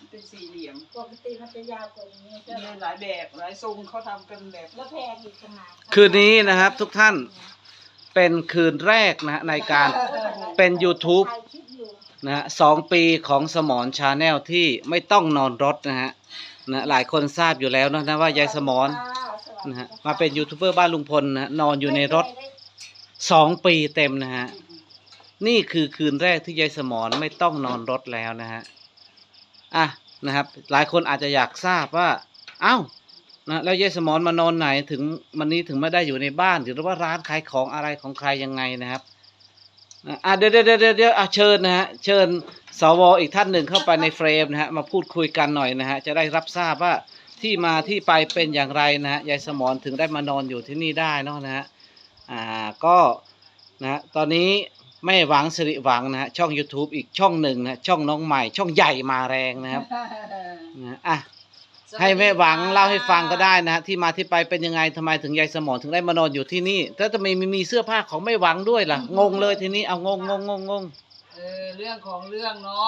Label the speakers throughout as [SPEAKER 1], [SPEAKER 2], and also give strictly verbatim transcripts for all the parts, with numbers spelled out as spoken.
[SPEAKER 1] เป็นสี่เหลี่ยม
[SPEAKER 2] ปกติมันจะยาวกว่านี้
[SPEAKER 1] มีหลายแบบหลายทรงเขาทำกันแบบ
[SPEAKER 2] แล้วแพงอีกขนาด
[SPEAKER 3] คืนนี้นะครับทุกท่านเป็นคืนแรกนะในการเป็น YouTube นะฮะสองปีของสมรชาแนลที่ไม่ต้องนอนรถนะฮะนะหลายคนทราบอยู่แล้วนะนะว่ายายสมรนะฮะมาเป็นยูทูบเบอร์บ้านลุงพลนะนอนอยู่ในรถสองปีเต็มนะฮะนี่คือคืนแรกที่ยายสมรไม่ต้องนอนรถแล้วนะฮะอ่ะนะครับหลายคนอาจจะอยากทราบว่าเอ้านะแล้วยายสมรมานอนไหนถึงวันนี้ถึงไม่ได้อยู่ในบ้านหรือว่าร้านขายของอะไรของใครยังไงนะครับอ่ะเดี๋ยวเดี๋ยวเดี๋ยวเดี๋ยวอ่ะเชิญนะฮะเชิญสวอีกท่านหนึ่งเข้าไปในเฟรมนะฮะมาพูดคุยกันหน่อยนะฮะจะได้รับทราบว่าที่มาที่ไปเป็นอย่างไรนะฮะยายสมรถึงได้มานอนอยู่ที่นี่ได้เนาะนะฮะอ่าก็นะฮะตอนนี้แม่หวังสิริหวังนะฮะช่อง YouTube อีกช่องหนึ่งนะฮะช่องน้องใหม่ช่องใหญ่มาแรงนะครับนะอ่ะให้แม่หวังเล่าให้ฟังก็ได้นะฮะที่มาที่ไปเป็นยังไงทำไมถึงยายสมรถึงได้มานอนอยู่ที่นี่ถ้าจะมีมีเสื้อผ้าของแม่หวังด้วยล่ะงงเลยทีนี้เอางงงงงงง
[SPEAKER 1] เออเรื่องของเรื่องเนาะ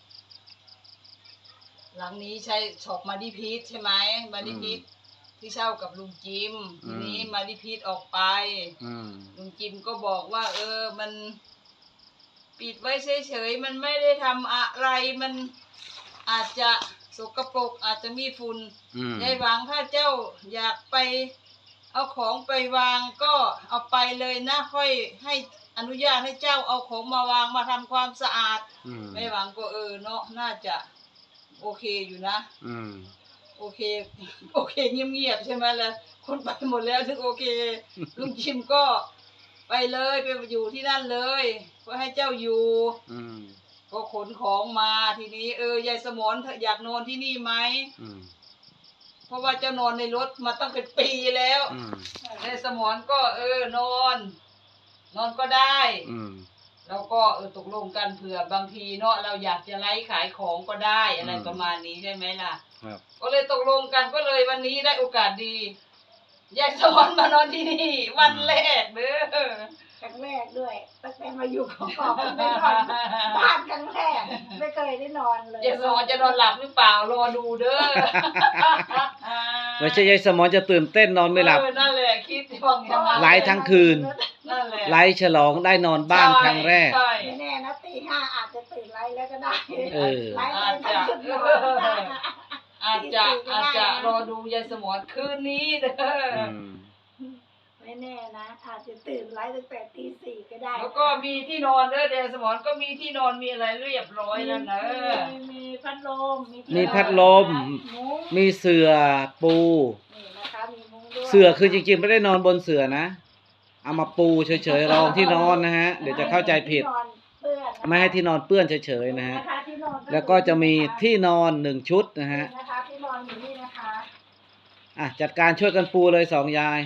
[SPEAKER 1] หลังนี้ใช้ช็อปมาดิพีทใช่ไหมมาดิพีทที่เช่ากับลุงจิมทีนี้มาดิพีทออกไปลุงจิมก็บอกว่าเออมันปิดไว้เฉยๆมันไม่ได้ทำอะไรมันอาจจะสกปรกอาจจะมีฝุ่นยายหวังถ้าเจ้าอยากไปเอาของไปวางก็เอาไปเลยนะค่อยให้อนุญาตให้เจ้าเอาของมาวางมาทำความสะอาดไม่หวังก็เออเนาะน่าจะโอเคอยู่นะโอเคโอเคเงียบๆใช่ไหมล่ะคนไปหมดแล้วถึงโอเคลุงจิมก็ไปเลยไปอยู่ที่นั่นเลยก็ให้เจ้าอยู่ก็ขนของมาทีนี้เออยายสมรอยากนอนที่นี่ไหมเพราะว่าเจ้านอนในรถมาตั้งเป็นปีแล้วยายสมรก็เออนอนนอนก็ได้แล้วก็เออตกลงกันเผื่อบางทีเนาะเราอยากจะไลฟ์ขายของก็ได้อะไรประมาณนี้ใช่ไหมล่ะก็เลยตกลงกันก็เลยวันนี้ได้โอกาสดียายสมรมานอนที่นี่วันแรกเด้อ
[SPEAKER 2] ครั้งแรกด้วยตั้งแต่มาอยู่ของกอบไม่นอนบ้านครั้งแรกไม่เคยได้นอนเลย
[SPEAKER 1] ยายสมรจะนอนหลับหรือเปล่ารอดูเด้อ
[SPEAKER 3] ไม่ใช่ยายสมรจะตื่นเต้นนอนไม่หลับ
[SPEAKER 1] นั่นแหละคิดว่า
[SPEAKER 3] ไลฟ์ทั้งคืนไลฟ์ฉลองได้นอนบ้านครั้งแรก
[SPEAKER 2] ไม่แน่นะตีห้าอาจจะตื่นไลฟ์แล้วก็ได้ไลฟ์ทั้งคืน
[SPEAKER 1] อาจจะอาจจะรอดูยายสมรคืนนี้เด้อ
[SPEAKER 2] ไม่แน่นะอาจจะตื่นไลฟ์ตั้งแต่ตีสี่ก็ได้
[SPEAKER 1] แล้วก็มีที่นอนเด้อเดชสมรก็มีที่นอนมีอะไรเรียบร้อยแล้วนะ
[SPEAKER 2] มีพัดลม
[SPEAKER 3] มีพัดลมมีเสื่อปูเสื่อคือจริงๆไม่ได้นอนบนเสื่อนะเอามาปูเฉยๆรองที่นอนนะฮะเดี๋ยวจะเข้าใจผิดไม่ให้ที่นอนเปื้อนเฉยๆนะฮะแล้วก็จะมีที่นอนหนึ่งชุดนะฮะ
[SPEAKER 2] ที่นอนอยู่นี่นะคะ
[SPEAKER 3] อ่ะจัดการช่วยกันปูเลยสองยาย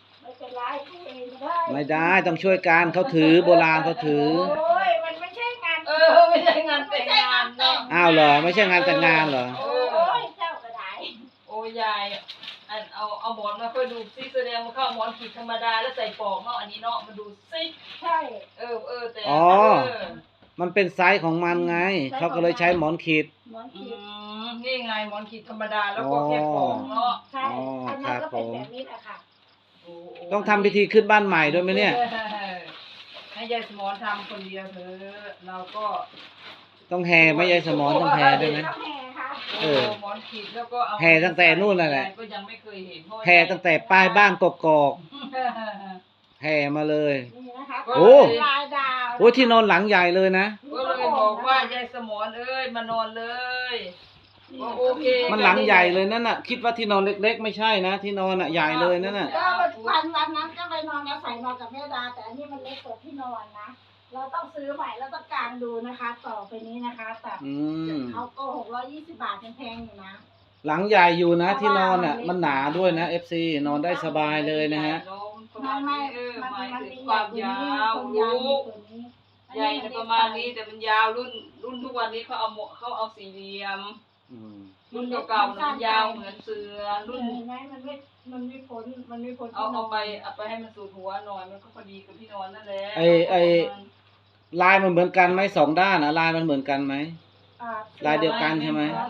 [SPEAKER 3] ไม่ได้ต้องช่วยกันเขาถือโบราณเขาถือ
[SPEAKER 2] โอ้ยมันไม่ใช่งาน
[SPEAKER 1] เออไม่ใช่งานแต่งงานเนาะ
[SPEAKER 3] อ้าวเหรอไม่ใช่งานแต่งงานเหรอ
[SPEAKER 2] โอ้ยเจ้ากระได
[SPEAKER 1] โอ้ยยายอันเอาเอาหมอนมาค่อยดูซิแสดงว่าเข้าหมอนขีดธรรมดาแล้วใส่ปอกเนาะอันนี้เนาะมาดูซิ
[SPEAKER 2] ใช่
[SPEAKER 1] เออเออแต่
[SPEAKER 3] อ๋อมันเป็นไซส์ของมันไงเขาก็เลยใช้หมอนขีด
[SPEAKER 2] หมอนขีด
[SPEAKER 1] นี่ไงหมอนขีดธรรมดาแล้วก็แค่ปอกเนาะ
[SPEAKER 2] ใช่อันนั้นก็เป็นแบบนี้แหละค่ะ
[SPEAKER 3] ต้องทำพิธีขึ้นบ้านใหม่ด้วยไหมเนี่ย
[SPEAKER 1] ให้ยายสมรทำคนเดียวเถอะเราก็
[SPEAKER 3] ต้องแห่ไม่ยายสมรต้องแห่ด้วยไหม
[SPEAKER 1] เออหมอนขีดแล้วก็เอา
[SPEAKER 3] แห่ตั้งแต่นู่นนั่นแหละ
[SPEAKER 1] ก็ยังไม่เคยเห็น
[SPEAKER 3] แห่ตั้งแต่ป้ายบ้านกกอกแห่มาเลยโอ้โหที่นอนหลังใหญ่เลยนะ
[SPEAKER 1] ก็เลยบอกว่ายายสมรเอ้ยมานอนเลยโอเค
[SPEAKER 3] มันหลังใหญ่เลยนั่นน่ะคิดว่าที่นอนเล็กๆไม่ใช่นะที่นอนอ่ะใหญ่เลยนั่นน่ะ
[SPEAKER 2] ก็วันวันนั้นก็ไปนอนอาศัยนอนกับแม่ดาแต่อันนี้มันเล็กกว่าที่นอนนะเราต้องซื้อใหม่แล้วต้องกางดูนะคะต่อไปนี้นะคะแต่เขาก็หกร้อยยี่สิบบาทแพงอยู่นะ
[SPEAKER 3] หลังใหญ่อยู่นะที่นอนอ่ะมันหนาด้วยนะ เอฟ ซี นอนได้สบายเลยนะฮะ
[SPEAKER 1] ไม่ไม่มันมันมีความยาวลูกใหญ่ประมาณนี้แต่มันยาวรุ่นรุ่นทุกวันนี้เขาเอาเขาเอาสี่เหลี่ยมรุ่นเก่าๆมันยาวเหมือนเสือรุ่น
[SPEAKER 2] ไหมมันไม่มันไม่พ้นมันไม่พ้น
[SPEAKER 1] เอาเอาไปเอาไปให้มันสูดหัวหน่อยมันก็พอดีกับพี่นอนนั่นแหละ
[SPEAKER 3] ไอไอลายมันเหมือนกันไหมสองด้านอะลายมันเหมือนกันไหมลายเดียวกันใช่ไหม
[SPEAKER 2] ไม่เหมื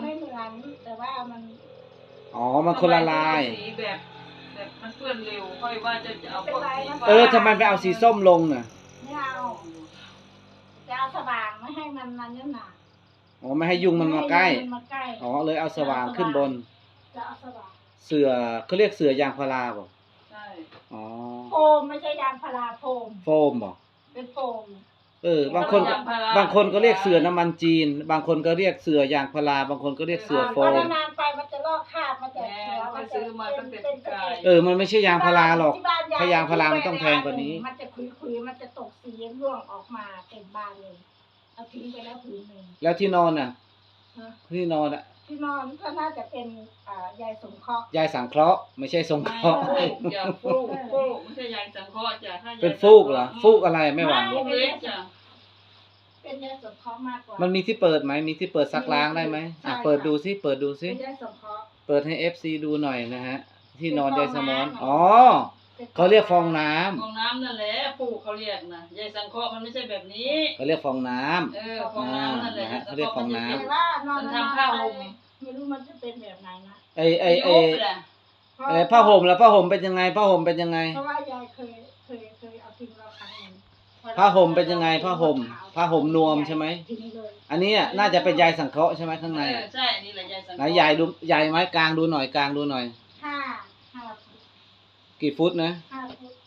[SPEAKER 2] นั้น แต่ว่ามัน
[SPEAKER 3] อ๋อมันคนละลาย
[SPEAKER 1] สีแบบแบบมันเปื้อนเร็วค่อยว่าจะจะเอาพวกสีฟ้า
[SPEAKER 3] เออทำไมไปเอาสีส้มลงน่ะ
[SPEAKER 2] ไม่เอาจะเอาสว่างไม่ให้มันมันนั่นหนา
[SPEAKER 3] อ๋อไม่ให้ยุงมันมาใกล้
[SPEAKER 2] ไให้ยุงมันมาใกล้
[SPEAKER 3] อ๋อเลยเอาสว่างขึ้นบน
[SPEAKER 2] จะเอาสว่าง
[SPEAKER 3] เสือเขาเรียกเสือยางพาราบ่
[SPEAKER 1] ใช่
[SPEAKER 3] อ๋อ
[SPEAKER 2] โฟมไม่ใช่ยางพาราโฟม
[SPEAKER 3] โฟมบ่
[SPEAKER 2] เป็นโฟม
[SPEAKER 3] เออบางคนบางคนก็เรียกเสือน้ำมันจีน บางคนก็เรียกเสือยางพาราบางคนก็เรียกเสือโฟ
[SPEAKER 2] พอ
[SPEAKER 3] ม
[SPEAKER 2] นานๆไปมันจะลอกคราบมันจะ
[SPEAKER 1] แม่
[SPEAKER 2] เขียว
[SPEAKER 1] ไป
[SPEAKER 2] มันจะ
[SPEAKER 1] ซื้อมาตั้งแต่ปีกาย
[SPEAKER 3] เออมันไม่ใช่ยางพาราหรอก
[SPEAKER 2] ที่บ้น
[SPEAKER 3] ถ้ายางพารามันต้องแพงกว่านี้
[SPEAKER 2] มันจะคุยๆมันจะตกสีร่วงออกมาเต็มบ้านเลยเอาทิ้งไปแล้วผืนหนึ่ง
[SPEAKER 3] แล้วที่นอนน่ะ
[SPEAKER 2] นะ
[SPEAKER 3] ที่นอนอ่ะ
[SPEAKER 2] ที่นอนก็น่าจะเป็นอ่ายายสงเคราะห์
[SPEAKER 3] ยายสังเคราะห์ไม่ใช่สงเคราะห์
[SPEAKER 1] ไม่อย่าฟูกฟูกไม่ใช่ยายสังเคราะห์จ้ะถ้ายาย
[SPEAKER 3] เป็นฟูกเหรอฟูกอะไรไม่หวาน
[SPEAKER 1] ฟูกเล็กจ้ะ
[SPEAKER 2] เป็นยายสงเคราะห์มากกว่า
[SPEAKER 3] มันมีที่เปิดไหมมีที่เปิดซักล้างได้ไหมอ่ะ
[SPEAKER 2] ใช่
[SPEAKER 3] เปิดดูซิเปิดดูซิ
[SPEAKER 2] เป็นยายสงเคราะห์
[SPEAKER 3] เปิดให้ เอฟ ซี ดูหน่อยนะฮะ ที่นอน
[SPEAKER 2] เป็น
[SPEAKER 3] ยายสมอน
[SPEAKER 2] ฟองน้ำ
[SPEAKER 3] อ๋อเขาเรียกฟองน้ำ
[SPEAKER 1] ฟองน้ำนั่นแหละฟูกเขาเรียกนะยายสังเคราะห์มันไม่ใช่แบบนี้
[SPEAKER 3] เขาเรียกฟองน้ำ
[SPEAKER 1] เออฟองน้ำนั่นแหละ
[SPEAKER 3] อ่านะฮะเขาเรียกฟองน้ำ
[SPEAKER 2] แต่ว่านอน
[SPEAKER 1] มัน
[SPEAKER 2] นาน
[SPEAKER 1] ทำ
[SPEAKER 2] ๆ
[SPEAKER 1] ผ้า
[SPEAKER 2] ไป
[SPEAKER 1] ห่ม
[SPEAKER 2] ไม่รู้มันจะเป็นแบบไหนนะ
[SPEAKER 3] ไอไอไอ
[SPEAKER 1] ยุบเลย
[SPEAKER 2] เพราะ
[SPEAKER 3] ไอผ้าห่มแล้วผ้าห่มเป็นยังไงผ้าห่มเป็นยังไง
[SPEAKER 2] เพราะว่ายายเคยเคยเคยเอาทิ้งเราครั้งหนึ่ง
[SPEAKER 3] ผ้าห่มเป็นยังไงผ้าห่มผ้าห่มนวมใช่ไหไหม
[SPEAKER 2] ทิ้งเลย
[SPEAKER 3] อันนี้อ่ะน่าจะเป็นยายสังเคราะห์ใช่ไหมข้างใน
[SPEAKER 1] เออ
[SPEAKER 3] อ่ะ
[SPEAKER 1] ใช่นี่แหละยายสังเค
[SPEAKER 3] ไหน
[SPEAKER 1] ราะห์
[SPEAKER 3] ยายดูยายไหมกลางดูหน่อยกลางดูหน่อย
[SPEAKER 2] ห้าห้าฟุต
[SPEAKER 3] กี่ฟุตนะ
[SPEAKER 2] ห้าฟุต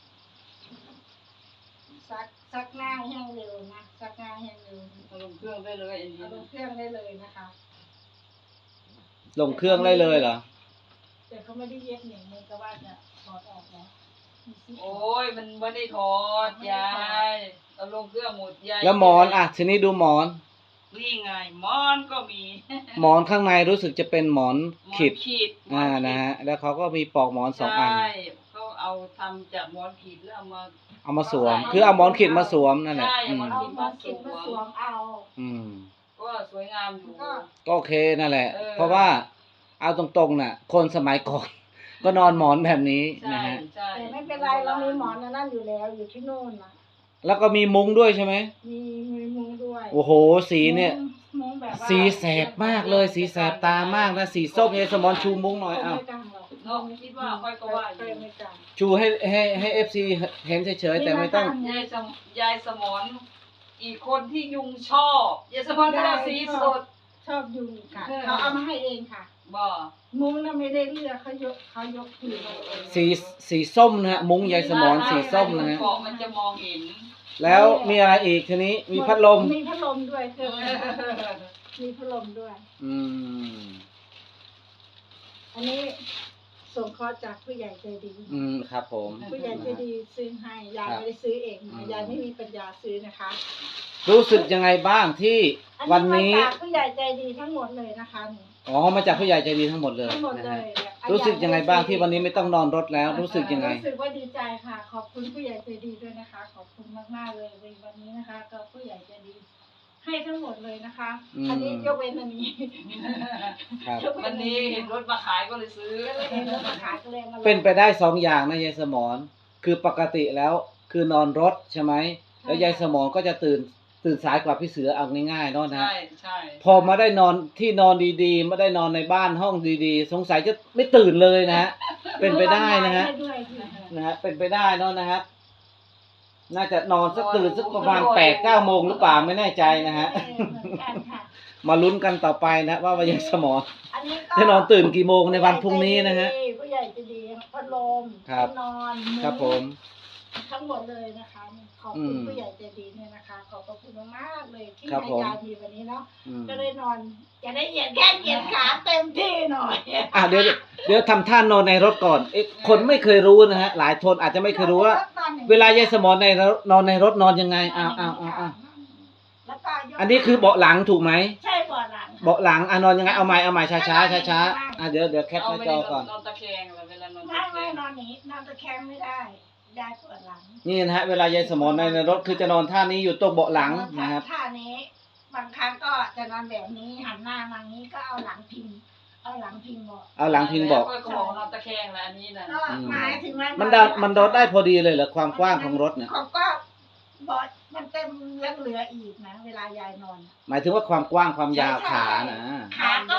[SPEAKER 2] ซักซักหน้าแห้งเร็วนะซักหน้าแห้งเร็ว
[SPEAKER 1] เอาลงเครื่องได้เลยอันนี้
[SPEAKER 2] เอาลงเครื่องได้เลยนะคะ
[SPEAKER 3] ลงเครื่องได้เลยเหรอ
[SPEAKER 2] แต่เขาไม่ได้เย็บหนึ่งมันก็ว่าจะถอดออกแล้วมีซิป
[SPEAKER 1] โอ้ยมันไม่ได้ถอดยายเอาลงเครื่องหมดยาย
[SPEAKER 3] แล้วหมอนอ่ะทีนี้ดูหมอน
[SPEAKER 1] นี่ไงหมอนก็มี
[SPEAKER 3] หมอนข้างในรู้สึกจะเป็นหมอน
[SPEAKER 1] หมอน
[SPEAKER 3] ขิด
[SPEAKER 1] ขีด
[SPEAKER 3] อ่านะฮะแล้วเขาก็มีปลอกหมอนสองอัน
[SPEAKER 1] ใช่เขาเอาทำจากหมอนขีดแล้วเอามา
[SPEAKER 3] เอามาสวม คือเอาหมอนขิดมาสวมนั่นแหละ
[SPEAKER 1] ใช่
[SPEAKER 3] อืม
[SPEAKER 1] หมอน
[SPEAKER 2] เอามาเก็บมาสวมเอา
[SPEAKER 3] อืม
[SPEAKER 1] ก็สวยงามอยู่
[SPEAKER 2] ก็
[SPEAKER 3] ก็โอเคนั่นแหละ
[SPEAKER 1] เออ
[SPEAKER 3] เพราะว่าเอาตรงๆน่ะ คนสมัยก่อน ก็นอนหมอนแบบนี้
[SPEAKER 1] ใช่
[SPEAKER 3] นะฮะ
[SPEAKER 1] ใช่
[SPEAKER 2] แต่ไม่เป็นไรเรามีหมอนอันนั่นอยู่แล้วอยู่ที่โน่นนะ
[SPEAKER 3] แล้วก็มีมุ้งด้วยใช่ไหม
[SPEAKER 2] มีมีมุ้งด้วย
[SPEAKER 3] โอ้โห สีเนี่ย
[SPEAKER 2] มุ้งแบบว่า
[SPEAKER 3] สีแสบมากเลย สีแสบตามากนะ สีส้มยายสมอนชูมุ้งหน่อยอ้าว
[SPEAKER 2] ไม่กล้าหรอก
[SPEAKER 1] เนาะคิดว่าค่อยก็ว่าอยู่
[SPEAKER 2] ไม่กล้า
[SPEAKER 3] ชูให้ให้ให้เอฟซีเห็นเฉยๆแต่ไม่ต้อง
[SPEAKER 1] ยายสมยายสมอนอีกคนที่ยุงชอบยายสมอนก็เอาสีสด
[SPEAKER 2] ชอบยุงค่ะ
[SPEAKER 1] เออ
[SPEAKER 2] เขาเอามาให้เองค่ะ
[SPEAKER 1] บ่
[SPEAKER 2] มุ้งน่ะไม่ได้เลือกเขายกเขายกคืนมาเอง
[SPEAKER 3] สีสีส้มนะฮะ มุ้งยายสมอนสีส้มนะฮะ
[SPEAKER 1] เกาะมันจะมองเห็น
[SPEAKER 3] แล้วมีอะไรอีกทีนี้ มีพัดลม
[SPEAKER 2] มีพัดลมด้วยเครื่องมีพัดลมด้วย
[SPEAKER 3] อืม
[SPEAKER 2] อันนี้ส่งเคราะห์จากผู้ใหญ่ใจดี
[SPEAKER 3] อืม ครับผม
[SPEAKER 2] ผู้ใหญ่ใจดีซื้อให้ยายไม่ได้ซื้อเองนะยายไม่มีปัญญาซื้อนะคะ
[SPEAKER 3] รู้สึกยังไงบ้างที่
[SPEAKER 2] อัน
[SPEAKER 3] วัน
[SPEAKER 2] นี้
[SPEAKER 3] นี้
[SPEAKER 2] มาจากผู้ใหญ่ใจดีทั้งหมดเลยนะคะนี่
[SPEAKER 3] อ๋อ มาจากผู้ใหญ่ใจดีทั้งหมดเลย
[SPEAKER 2] ทั้งหมด
[SPEAKER 3] นะ
[SPEAKER 2] เล
[SPEAKER 3] ฮะ
[SPEAKER 2] ยเนี่ย
[SPEAKER 3] รู้สึกยังไงบ้างที่วันนี้ไม่ต้องนอนรถแล้ว รู้สึกยังไง
[SPEAKER 2] รู้สึกว่าดีใจค่ะ ขอบคุณผู้ใหญ่ใจดีด้วยนะคะ ขอบคุณมากๆเลยในวันนี้นะคะ ก็ผู้ใหญ่ใจดี ให้ทั้งหมดเลยนะคะ
[SPEAKER 3] อืม
[SPEAKER 2] อันนี้ยกเว้นอันนี้
[SPEAKER 3] ครับ
[SPEAKER 1] วันนี้เห็นรถมาขายก็เลยซื้อ
[SPEAKER 2] เห็นแล้วมาขายก็เลยมาลง
[SPEAKER 3] เป็นไปได้สองอย่างนะยายสมอนคือปกติแล้วคือนอนรถใช่ไหมแล้วยายสมอนก็จะตื่นตื่นสายกว่าพี่เสือเอาง่ายๆเนาะนะ
[SPEAKER 1] ใช่ใช่
[SPEAKER 3] พอมาได้นอนที่นอนดีๆไม่ได้นอนในบ้านห้องดีๆ สงสัยจะไม่ตื่นเลยนะฮะเป็นไปได้นะฮะ
[SPEAKER 2] ให้ด้วยค่ะ
[SPEAKER 3] นะฮะเป็นไปได้เนาะนะฮะน่าจะนอนสักตื่นสักประมาณแปดเก้าโมงหรือเปล่าไม่แน่ใจนะฮะ
[SPEAKER 2] เออเหมือนกันค่ะ
[SPEAKER 3] มาลุ้นกันต่อไปนะว่ายายสมอน
[SPEAKER 2] อันนี้ก็
[SPEAKER 3] จะนอนตื่นกี่โมงในวันพรุ่งนี้นะฮะ
[SPEAKER 2] ผู้ใหญ่ใจะดีพัดลม
[SPEAKER 3] ครับ
[SPEAKER 2] ที่นอน
[SPEAKER 3] ครับผม
[SPEAKER 2] ทั้งหมดเลยนะคะขอบ
[SPEAKER 3] อื
[SPEAKER 2] คุณ
[SPEAKER 3] ม
[SPEAKER 2] ผู้ใหญ่ใจดีเนี่ยนะคะ ขอบพระคุณมากๆเลยที่
[SPEAKER 3] ครับ
[SPEAKER 2] ให้
[SPEAKER 3] ผม
[SPEAKER 2] ยายมีวันนี้เนาะ
[SPEAKER 3] อืม
[SPEAKER 2] ก็ได้นอนจะได้เหยียดแค่เหยียดขาเต็มที่หน่อย
[SPEAKER 3] อ่ะเดี๋ยวเดี๋ยวทำท่านอนในรถก่อนเอ๊ะคนไม่เคยรู้นะฮะ หลายคนอาจจะไม่เคยรู้ว่า เวลายายสมอนในรถนอนในรถนอนยังไงอ้าวอ้าวอ้าวอ้าว
[SPEAKER 2] แล้วก็ยก
[SPEAKER 3] อันนี้คือเบาะหลังถูกไหม
[SPEAKER 2] ใช่เบาะหลัง
[SPEAKER 3] เบาะหลังอ่ะนอนยังไงเอาใหม่เอาใหม่ช้าช้าช้าช้าๆอ่ะเดี๋ยวเดี๋ยวแคปห
[SPEAKER 1] เอา
[SPEAKER 3] น้า
[SPEAKER 1] ไม่
[SPEAKER 3] จ
[SPEAKER 1] ได้
[SPEAKER 3] อก่อน
[SPEAKER 1] นอนตะแคงเลยเวลานอน
[SPEAKER 2] ไม่
[SPEAKER 1] ตะแค
[SPEAKER 2] ไม่
[SPEAKER 1] ง
[SPEAKER 2] นอนนี้นอนตะแคงไม่ได้ยายปวดหลัง
[SPEAKER 3] นี่นะฮะเวลายายสมอนในในรถคือจะนอนท่านี้อยู่ตรงเบาะหลังนะครับ
[SPEAKER 2] ท่านี้ บางครั้งก็จะนอนแบบนี้หันหน้ามางี้ก็เอาหลังพิงเอาหลังพิงเบาะ
[SPEAKER 3] เอาหลังพิงเบาะ
[SPEAKER 1] ค่อยก็บอกนอนตะแคงแล้วอันนี้นะ
[SPEAKER 2] ก็หมายถึงว่า
[SPEAKER 3] มันได้มันรถได้พอดีเลยเหรอความกว้างของรถเนี่ย
[SPEAKER 2] เขาก็เบาะมันเต็มยังเหลืออีกนะ เวลายายนอน
[SPEAKER 3] หมายถึงว่าความกว้างความยาวขานะ
[SPEAKER 2] ขาก็
[SPEAKER 1] ยาว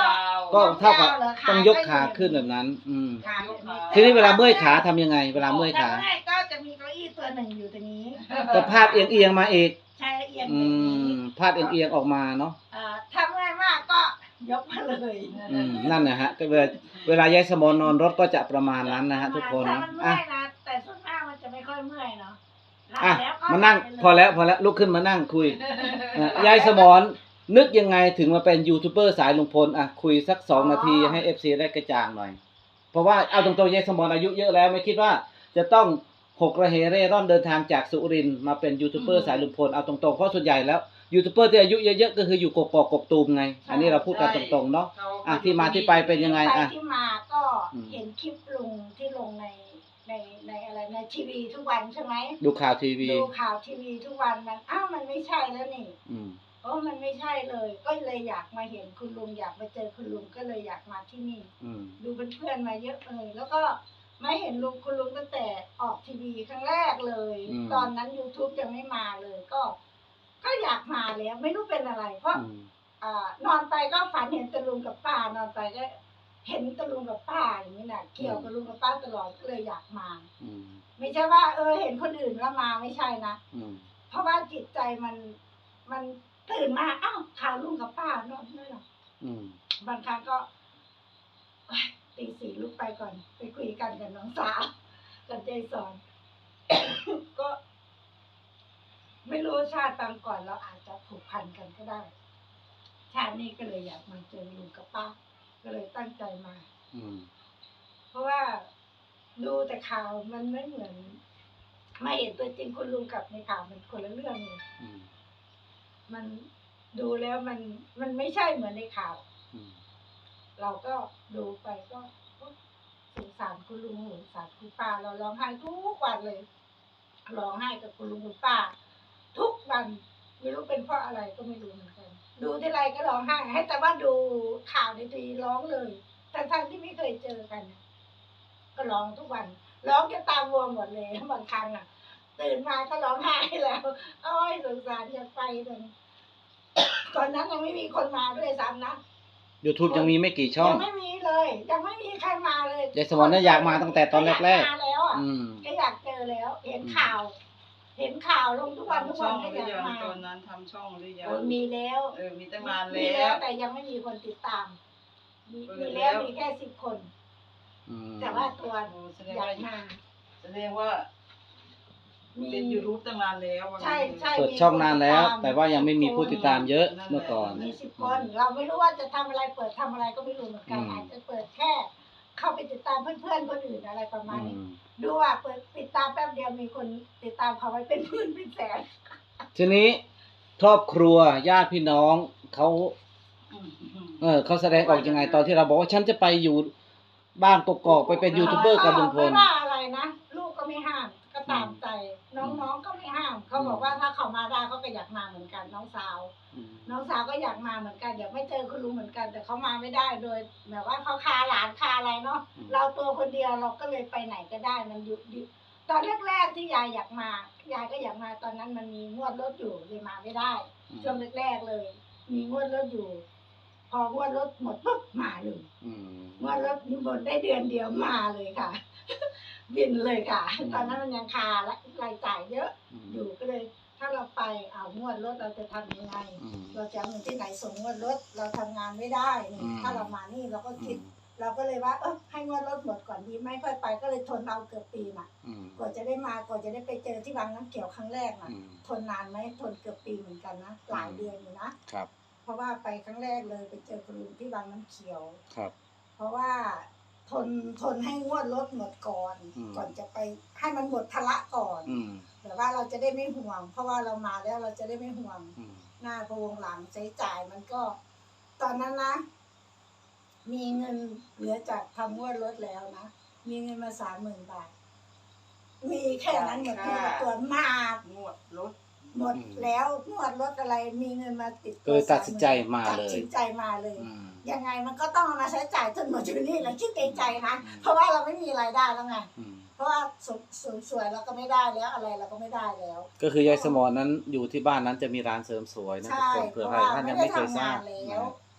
[SPEAKER 3] ก็เท่ากับ
[SPEAKER 2] ยาวเหรอขา
[SPEAKER 3] ต้องยกขาขึ้นแบบนั้น อืม
[SPEAKER 2] ขาแบบนี้
[SPEAKER 3] ทีนี้เวลาเมื่อยขาทำยังไง เวลาเมื่อยขา
[SPEAKER 2] ถ้เมื่อยก็จะมีเก้าอี้ตัวหนึ่งอยู่ตรงนี้
[SPEAKER 3] ก็พาดเอียงๆมาอีก
[SPEAKER 2] ใช้เอียง
[SPEAKER 3] อื
[SPEAKER 2] แบบนี้
[SPEAKER 3] มพาดเอียงๆออกมาเนาะ
[SPEAKER 2] เอ่อถ้าเมื่อยมากก็ยกมาเลย
[SPEAKER 3] อืมนั่นนะฮะก็เวลาเวลายายสมอนนอนรถก็จะประมาณนั้นนะฮะทุกคน
[SPEAKER 2] ถ้า
[SPEAKER 3] นะ
[SPEAKER 2] มันเมื่
[SPEAKER 3] อ่ะ
[SPEAKER 2] อยนะแต่ส่วนมากมันจะไม่ค่อยเมื่อยเนาะหลับ
[SPEAKER 3] อ่ะ
[SPEAKER 2] แล้วก็
[SPEAKER 3] มานั่ง
[SPEAKER 2] หลับไปเย
[SPEAKER 3] พอแล้วพอแล้วลุกขึ้นมานั่งคุยอ่ะยายสมอนนึกยังไงถึงมาเป็นยูทูบเบอร์สายลุงพลอ่ะคุยสักสองนาทีให้เอฟซีได้กระจ่างหน่อย เพราะว่าเอาตรงๆยายสมอนอายุเยอะแล้วไม่คิดว่าจะต้องหกระเหเร่ร่อนเดินทางจากสุรินทร์มาเป็นยูทูบเบอร์สายลุงพลเอาตรงๆเพราะส่วนใหญ่แล้วยูทูบเบอร์ที่อายุเยอะๆก็คืออยู่กกอกกกตูมไง อันนี้เราพูดกันตรงๆเนาะ
[SPEAKER 1] เขา
[SPEAKER 3] อ่ะที่มาที่ไปเป็นยังไง
[SPEAKER 2] ไป
[SPEAKER 3] อ่ะ
[SPEAKER 2] ที่มาก็
[SPEAKER 3] อืม
[SPEAKER 2] เห็นคลิปลุงที่ลงในในในอะไรในทีวีทุกวันใช่ไหม
[SPEAKER 3] ดูข่าวทีวี
[SPEAKER 2] ดูข่าวทีวีทุกวันมันอ้าวมันไม่ใช่แล้วนี่
[SPEAKER 3] อืม
[SPEAKER 2] โอ้มันไม่ใช่เลย ก็เลยอยากมาเห็นคุณลุงอยากมาเจอคุณลุงก็เลยอยากมาที่นี่
[SPEAKER 3] อืม
[SPEAKER 2] ดูเป็นเพื่อนมาเยอะเลยแล้วก็ไม่เห็นลุงคุณลุงตั้งแต่ออกทีวีครั้งแรกเลย
[SPEAKER 3] อืม
[SPEAKER 2] ตอนนั้น YouTube ยังไม่มาเลย ก็ ก็อยากมาแล้วไม่รู้เป็นอะไร เพราะ
[SPEAKER 3] อืม
[SPEAKER 2] อ่านอนไปก็ฝันเห็นตะลุงกับป้านอนไปก็เห็นตะลุงกับป้าอย่างนี้น่ะเกี่ยวกับลุงกับป้าตลอดก็เลยอยากมา
[SPEAKER 3] อืม
[SPEAKER 2] ไม่ใช่ว่า เออเห็นคนอื่นแล้วมาไม่ใช่นะ
[SPEAKER 3] อืม
[SPEAKER 2] เพราะว่าจิตใจมันมันตื่นมาอ้าวข่าวลุงกับป้านอนไม่หรอก
[SPEAKER 3] อืม
[SPEAKER 2] บางครั้งก็เอ้ยตีสี่ลุกไปก่อน ไปคุยกันกับน้องสาวกับใจสอน ก็ ไม่รู้ชาติตามก่อนเราอาจจะผูกพันกันก็ได้ ชาตินี้ก็เลยอยากมาเจอลุงกับป้า ก็เลยตั้งใจมา
[SPEAKER 3] อืม
[SPEAKER 2] เพราะว่าดูแต่ข่าวมันไม่เหมือนไม่เห็นตัวจริงคุณลุงกับในข่าวมันคนละเรื่องเลย
[SPEAKER 3] อืม
[SPEAKER 2] มันดูแล้วมันมันไม่ใช่เหมือนในข่าว
[SPEAKER 3] อืม
[SPEAKER 2] เราก็ดูไปก็สงสารคุณลุงสงสารคุณป้าเราร้องไห้ทุกวันเลยร้องไห้กับคุณลุงคุณป้า ทุกวันไม่รู้เป็นเพราะอะไรก็ไม่รู้เหมือนกัน ดูที่ไรก็ร้องไห้ ให้แต่ว่าดูข่าวในทีวีร้องเลยทั้งๆที่ไม่เคยเจอกัน ก็ร้องทุกวัน ร้องจนตาบวมหมดเลยบางครั้งอ่ะ ตื่นมาก็ร้องไห้แล้วโอ้ยสงสารอยากไปเลยก่อนนั้นยังไม่มีคนมาด้วยซ้ำนะ
[SPEAKER 3] YouTube ยังมีไม่กี่ช่อง
[SPEAKER 2] ยังไม่มีเลย ยังไม่มีใครมาเลย
[SPEAKER 3] ยายสมรน่ะอยากมาตั้งแต่ตอนแรกๆ
[SPEAKER 2] อยามาแล้วอ่ะ
[SPEAKER 3] อืม
[SPEAKER 2] ก็อยากเจอแล้ว เห็นข่าว เห็นข่าวลงทุกวันทุก
[SPEAKER 1] ทำช่
[SPEAKER 2] วั
[SPEAKER 1] อน ง
[SPEAKER 2] ก็
[SPEAKER 1] ห
[SPEAKER 2] อ
[SPEAKER 1] รือย
[SPEAKER 2] าก
[SPEAKER 1] ยัง
[SPEAKER 2] มา
[SPEAKER 1] ตอนนั้นทำช่องหรือยัง
[SPEAKER 2] โอ้ยมีแล้ว
[SPEAKER 1] เออมีตั้งนาน
[SPEAKER 2] มี
[SPEAKER 1] แล้ว
[SPEAKER 2] แต่ยังไม่มีคนติดตาม มี
[SPEAKER 1] เปิด
[SPEAKER 2] มี
[SPEAKER 1] แล้
[SPEAKER 2] แล้ว
[SPEAKER 1] ว
[SPEAKER 2] มีแค่สิบคน
[SPEAKER 3] อืม
[SPEAKER 2] แต่ว่าตัว
[SPEAKER 1] โอ้แสดง
[SPEAKER 2] อยา
[SPEAKER 1] ว่าก
[SPEAKER 2] มา
[SPEAKER 1] แสดงว่า
[SPEAKER 2] มี
[SPEAKER 1] เป็นยูทูบตั้งนานแล้วว่างั้น
[SPEAKER 2] ใช่ใช่
[SPEAKER 3] เปิดช่องนานแล้ว แต่ว่ายังไม่มีผู้ติดตามเยอะเมื่อก่อน
[SPEAKER 2] มีสิบคน เราไม่รู้ว่าจะทำอะไรเปิดทำอะไรก็ไม่รู้เหมือนกัน
[SPEAKER 3] อืม
[SPEAKER 2] อาจจะเปิดแค่ เข้าไปติดตามเพื่อนๆคนอื่นอะไรประมาณ
[SPEAKER 3] อื
[SPEAKER 2] นี้
[SPEAKER 3] ม
[SPEAKER 2] ดูว่าเปิดติดตามแป๊บเดียวมีคนติดตามเขาไว้เป็นหมื่นเป็นแสน
[SPEAKER 3] ทีนี้ครอบครัวญาติพี่น้องเขา
[SPEAKER 1] อืมอืม
[SPEAKER 3] เออเขาแสดงออกยังไงตอนที่เราบอกว่าฉันจะไปอยู่บ้านกกอกไปเป็นยูทูบเบอร์กับลุงพล
[SPEAKER 2] ไม่ว่าอะไรนะลูกก็ไม่ห้าม ก็ตามใจ น้องๆก็ไม่ห้าม เขาบอกว่าถ้าเขามาได้เขาก็อยากมาเหมือนกัน น้องสาว
[SPEAKER 3] อืม
[SPEAKER 2] น้องสาวก็อยากมาเหมือนกันอยากไม่เจอคุณลุงเหมือนกัน แต่เขามาไม่ได้โดยแบบว่าเขาคาหลานคาอะไรเนาะเราตัวคนเดียวเราก็เลยไปไหนก็ได้มันอยู่อยู่ตอนแรกๆที่ยายอยากมายายก็อยากมาตอนนั้นมันมีงวดรถอยู่เลยมาไม่ได้ ช่วงแรกๆเลย มีงวดรถอยู่ พองวดรถหมดปุ๊บมาเลย
[SPEAKER 3] อืม
[SPEAKER 2] งวดรถหมดได้เดือนเดียวมาเลยค่ะ บินเลยค่ะ
[SPEAKER 3] อืม
[SPEAKER 2] ตอนนั้นมันยังคาและรายจ่ายเยอะ
[SPEAKER 3] อืม
[SPEAKER 2] อยู่ก็เลย ถ้าเราไปเอางวดรถเราจะทำยังไง
[SPEAKER 3] อืม
[SPEAKER 2] เราจะเอาเงินที่ไหนส่งงวดรถเราทำงานไม่ได้นี่
[SPEAKER 3] อืม
[SPEAKER 2] ถ้าเรามานี่เราก็
[SPEAKER 3] อื
[SPEAKER 2] คิด
[SPEAKER 3] ม
[SPEAKER 2] เราก็เลยว่าเออให้งวดรถหมดก่อนดีไม่ค่อยไปก็เลยทนเอาเกือบปีน่ะ
[SPEAKER 3] อืม
[SPEAKER 2] กว่าจะได้มากว่าจะได้ไปเจอที่บางน้ำเขียวครั้งแรกน่ะ
[SPEAKER 3] อืม
[SPEAKER 2] ทนนานไหมทนเกือบปีเหมือนกันนะหลายเดือนอยู่นะครับ เพราะว่าไปครั้งแรกเลยไปเจอคุณลุงที่บางน้ำเขียว
[SPEAKER 3] ครับ
[SPEAKER 2] เพราะว่าทนทนให้งวดรถหมดก่อน
[SPEAKER 3] อืม
[SPEAKER 2] ก่อนจะไปให้มันหมดภาระก่อน
[SPEAKER 3] อืม
[SPEAKER 2] แต่ว่าเราจะได้ไม่ห่วง เพราะว่าเรามาแล้วเราจะได้ไม่ห่วง
[SPEAKER 3] อืม
[SPEAKER 2] หน้าพวงหลังใช้จ่ายมันก็ ตอนนั้นนะ มีเงินเหลือจากทำงวดรถแล้วนะมีเงินมาสามหมื่นบาท มีแค่นั้นหมดตัวตัวมาก
[SPEAKER 1] งวดรถ
[SPEAKER 2] หมดแล้วงวดรถอะไรมีเงินมาติด
[SPEAKER 3] ก็เลยตัดสินใจมาเลย
[SPEAKER 2] ตัดสินใจมาเลย
[SPEAKER 3] อืม
[SPEAKER 2] ยังไงมันก็ต้องเอามาใช้จ่ายจนหมดอยู่นี่แหละคิดในใจนะ
[SPEAKER 3] อืม
[SPEAKER 2] เพราะว่าเราไม่มีรายได้แล้วไง
[SPEAKER 3] อืม
[SPEAKER 2] เพราะว่าสวยสวยสวยเราก็ไม่ได้แล้วอะไรเราก็ไม่ได้แล้ว
[SPEAKER 3] ก็คือยายสมรนั้นอยู่ที่บ้านนั้นจะมีร้านเสริมสวยนะทุก
[SPEAKER 2] ใช่
[SPEAKER 3] คน
[SPEAKER 2] เพ
[SPEAKER 3] เผื่อ
[SPEAKER 2] ราะ
[SPEAKER 3] ใคร
[SPEAKER 2] ว่า
[SPEAKER 3] ท่าน
[SPEAKER 2] ไม่
[SPEAKER 3] ยัง
[SPEAKER 2] ได้
[SPEAKER 3] ไม่เคย
[SPEAKER 2] ทำ
[SPEAKER 3] ทราง
[SPEAKER 2] า
[SPEAKER 3] บ
[SPEAKER 2] นแล้ว
[SPEAKER 3] นะ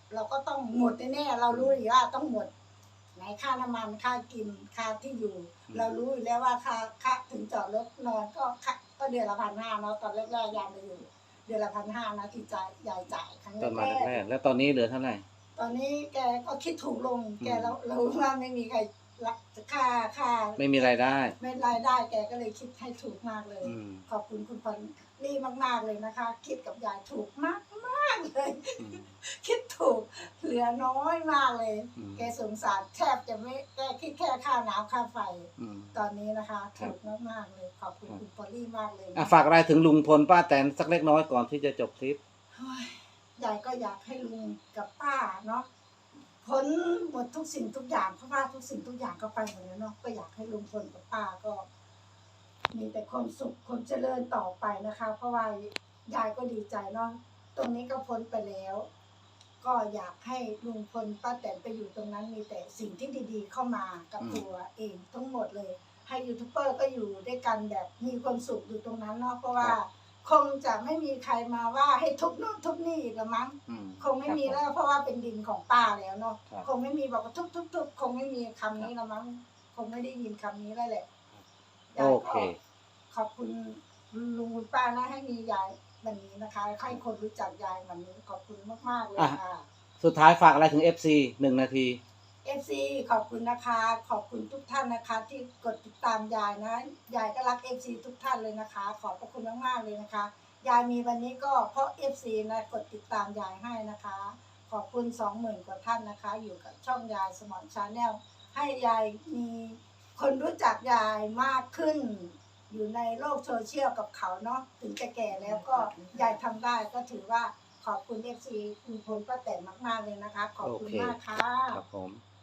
[SPEAKER 2] เราก็ต้องหมดแน่ๆเรารู้อยู่ว่าต้องหมดไหนค่าน้ำมันค่ากินค่าที่อยู่ เรารู้อยู่แล้วว่าค่าค่าถึงจอดรถนอนก็ค่าก็เดือนละพันห้าเนาะตอนแรกๆยายมาอยู่เดือนละพันห้านะที่จ่ายยายจ่ายครั้ง
[SPEAKER 3] ตอนมา
[SPEAKER 2] แรก
[SPEAKER 3] แรกๆแล้วตอนนี้เหลือเท่าไหร่
[SPEAKER 2] ตอนนี้แกก็คิดถูกลง
[SPEAKER 3] อืม
[SPEAKER 2] แกเรารู้ว่าไม่มีใครรับค่าค่า
[SPEAKER 3] ไม่มีรายได้
[SPEAKER 2] ไม่รายได้แกก็เลยคิดให้ถูกมากเลย
[SPEAKER 3] อืม
[SPEAKER 2] ขอบคุณคุณพอลลี่มากๆเลยนะคะ คิดกับยายถูกมากมากๆเลย
[SPEAKER 3] อืม
[SPEAKER 2] คิดถูกเหลือน้อยมากเลย
[SPEAKER 3] อืม
[SPEAKER 2] แกสงสารแทบจะไม่แกคิดแค่ค่าน้ำค่าไฟ
[SPEAKER 3] อืม
[SPEAKER 2] ตอนนี้นะคะ
[SPEAKER 3] ครับ
[SPEAKER 2] ถูกมากๆเลยขอบคุณคุณพอลลี่มากเลยนะ
[SPEAKER 3] อ่ะฝากอะไรถึงลุงพลป้าแตนสักเล็กน้อยก่อนที่จะจบคลิป
[SPEAKER 2] เฮ้ยยายก็อยากให้ลุงกับป้าเนาะพ้นหมดทุกสิ่งทุกอย่างเพราะว่าทุกสิ่งทุกอย่างก็ไปหมดแล้วเนาะก็อยากให้ลุงพลกับป้าก็ มีแต่ความสุขความเจริญต่อไปนะคะ เพราะว่ายายก็ดีใจเนาะตรงนี้ก็พ้นไปแล้ว ก็อยากให้ลุงพลป้าแตนไปอยู่ตรงนั้นมีแต่สิ่งที่ดีๆ เข้ามากับ
[SPEAKER 3] อืม
[SPEAKER 2] ตัวเองทั้งหมดเลย ให้ยูทูบเบอร์ก็อยู่ด้วยกันแบบมีความสุขอยู่ตรงนั้นเนาะเพราะว่า คงจะไม่มีใครมาว่าให้ทุบนู่นทุบนี่อีกละมั้ง
[SPEAKER 3] อืม
[SPEAKER 2] คงไม่มีแล้วเพราะว่าเป็นดินของป้าแล้วเนาะ
[SPEAKER 3] ครับ
[SPEAKER 2] คงไม่มีบอกว่าทุบทุบทุบคงไม่มีคำนี้ละมั้งคงไม่ได้ยินคำนี้แล้วแหละยาย
[SPEAKER 3] โอ
[SPEAKER 2] ก็
[SPEAKER 3] เค
[SPEAKER 2] ขอบคุณลุงคุณป้านะให้มียายแบบนี้นะคะให้คนรู้จักยายแบบนี้ขอบคุณมากๆเลย
[SPEAKER 3] อ่ะ
[SPEAKER 2] ค่ะ
[SPEAKER 3] สุดท้ายฝากอะไรถึง เอฟ ซี หนึ่งนาที
[SPEAKER 2] เอฟซีขอบคุณนะคะ ขอบคุณทุกท่านนะคะ ที่กดติดตามยายนะยายก็รักเอฟซีทุกท่านเลยนะคะ ขอบพระคุณมากๆเลยนะคะ ยายมีวันนี้ก็เพราะเอฟซีนะกดติดตามยายให้นะคะ ขอบคุณสองหมื่นกว่าท่านนะคะ อยู่กับช่องยายสมอนชาแนลให้ยายมีคนรู้จักยายมากขึ้น อยู่ในโลกโซเชียลกับเขาเนาะถึงจะแก่แล้วก็ยายทำได้ก็ถือว่าขอบคุณเอฟซีคุณพลป้าแตนมากๆเลยนะคะ ขอบคุณ
[SPEAKER 3] โอเค
[SPEAKER 2] มากค่ะ
[SPEAKER 3] ครับผม